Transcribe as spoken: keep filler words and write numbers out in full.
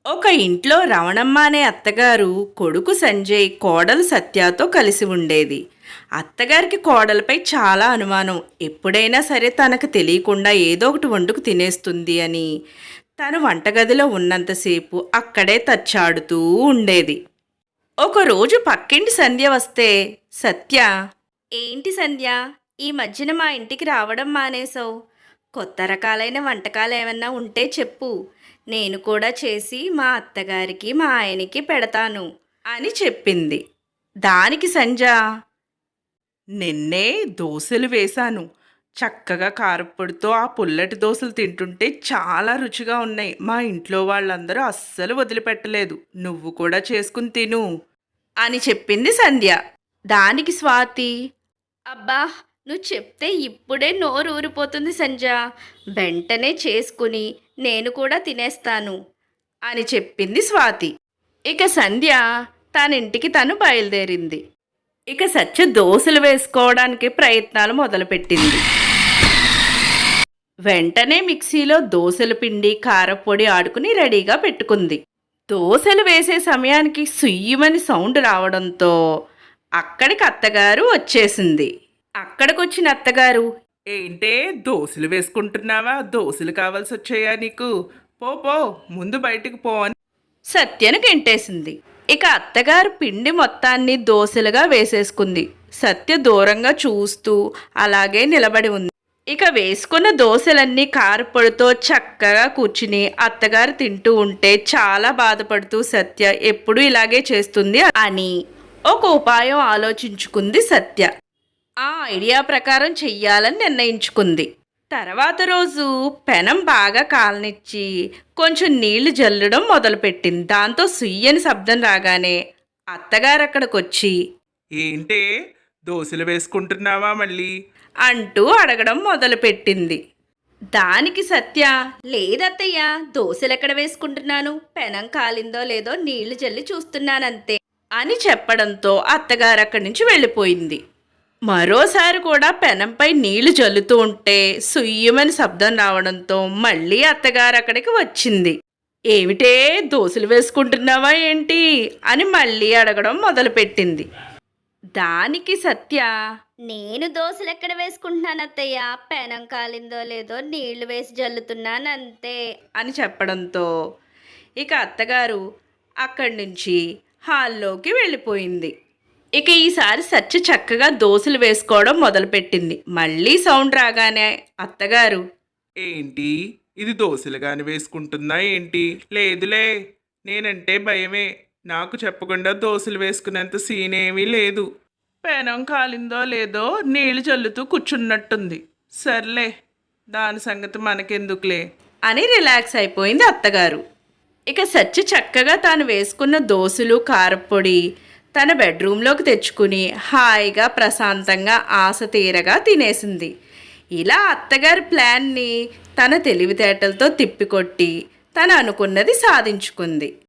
ఒక ఇంట్లో రమణమ్మ అనే అత్తగారు కొడుకు సంజయ్ కోడలు సత్యతో కలిసి ఉండేది. అత్తగారికి కోడలపై చాలా అనుమానం. ఎప్పుడైనా సరే తనకు తెలియకుండా ఏదో ఒకటి వండుకు తినేస్తుంది అని తను వంటగదిలో ఉన్నంతసేపు అక్కడే తచ్చాడుతూ ఉండేది. ఒకరోజు పక్కింటి సంధ్య వస్తే, సత్య, ఏంటి సంధ్య, ఈ మధ్యన మా ఇంటికి రావడం మానేశావు? కొత్త రకాలైన వంటకాలు ఏమన్నా ఉంటే చెప్పు, నేను కూడా చేసి మా అత్తగారికి మా ఆయనకి పెడతాను అని చెప్పింది. దానికి సంజ, నిన్నే దోశలు వేశాను, చక్కగా కారప్పొడితో ఆ పుల్లటి దోశలు తింటుంటే చాలా రుచిగా ఉన్నాయి. మా ఇంట్లో వాళ్ళందరూ అస్సలు వదిలిపెట్టలేదు. నువ్వు కూడా చేసుకుని తిను అని చెప్పింది సంధ్య. దానికి స్వాతి, అబ్బా, నువ్వు చెప్తే ఇప్పుడే నోరు ఊరిపోతుంది సంజ, వెంటనే చేసుకుని నేను కూడా తినేస్తాను అని చెప్పింది స్వాతి. ఇక సంధ్య తన ఇంటికి తను బయలుదేరింది. ఇక సత్య దోశలు వేసుకోవడానికి ప్రయత్నాలు మొదలుపెట్టింది. వెంటనే మిక్సీలో దోశల పిండి కారపొడి ఆడుకుని రెడీగా పెట్టుకుంది. దోశలు వేసే సమయానికి సుయ్యమని సౌండ్ రావడంతో అక్కడికి అత్తగారు వచ్చేసింది. అక్కడికొచ్చిన అత్తగారు, ఏంటే దోశలు వేసుకుంటున్నావా? దోశలు కావాల్సి వచ్చాయా నీకు? పో పో, ముందు బయటికి పో అని సత్యను గెంటేసింది. ఇక అత్తగారు పిండి మొత్తాన్ని దోశలుగా వేసేసుకుంది. సత్య దూరంగా చూస్తూ అలాగే నిలబడి ఉంది. ఇక వేసుకున్న దోశలన్నీ కారపొడితో చక్కగా కూర్చుని అత్తగారు తింటూ ఉంటే చాలా బాధపడుతూ సత్య ఎప్పుడు ఇలాగే చేస్తుంది అని ఒక ఉపాయం ఆలోచించుకుంది సత్య. ఆ ఐడియా ప్రకారం చెయ్యాలని నిర్ణయించుకుంది. తర్వాత రోజు పెనం బాగా కాలనిచ్చి కొంచెం నీళ్లు జల్లడం మొదలుపెట్టింది. దాంతో సుయ్యని శబ్దం రాగానే అత్తగారు అక్కడికొచ్చి, ఏంటే దోశలు వేసుకుంటున్నావా మళ్ళీ అంటూ అడగడం మొదలుపెట్టింది. దానికి సత్య, లేదత్తయ్య, దోశలు ఎక్కడ వేసుకుంటున్నాను, పెనం కాలిందో లేదో నీళ్లు జల్లి చూస్తున్నానంతే అని చెప్పడంతో అత్తగారు అక్కడి నుంచి వెళ్ళిపోయింది. మరోసారి కూడా పెనంపై నీళ్లు జల్లుతూ ఉంటే సుయ్యమని శబ్దం రావడంతో మళ్ళీ అత్తగారు అక్కడికి వచ్చింది. ఏమిటే దోశలు వేసుకుంటున్నావా ఏంటి అని మళ్ళీ అడగడం మొదలుపెట్టింది. దానికి సత్య, నేను దోశలు ఎక్కడ వేసుకుంటున్నాను అత్తయ్య, పెనం కాలిందో లేదో నీళ్లు వేసి జల్లుతున్నానంతే అని చెప్పడంతో ఇక అత్తగారు అక్కడి నుంచి హాల్లోకి వెళ్ళిపోయింది. ఇక ఈసారి సత్య చక్కగా దోశలు వేసుకోవడం మొదలుపెట్టింది. మళ్ళీ సౌండ్ రాగానే అత్తగారు, ఏంటి ఇది దోశలు కానీ వేసుకుంటుందా ఏంటి? లేదులే, నేనంటే భయమే, నాకు చెప్పకుండా దోశలు వేసుకునేంత సీన్ ఏమీ లేదు. పెనం కాలిందో లేదో నీళ్లు చల్లుతూ కూర్చున్నట్టుంది. సర్లే, దాని సంగతి మనకెందుకులే అని రిలాక్స్ అయిపోయింది అత్తగారు. ఇక సత్య చక్కగా తాను వేసుకున్న దోశలు కారపొడి తన బెడ్రూమ్లోకి తెచ్చుకుని హాయిగా ప్రశాంతంగా ఆశ తీరగా తినేసింది. ఇలా అత్తగారి ప్లాన్ని తన తెలివితేటలతో తిప్పికొట్టి తను అనుకున్నది సాధించుకుంది.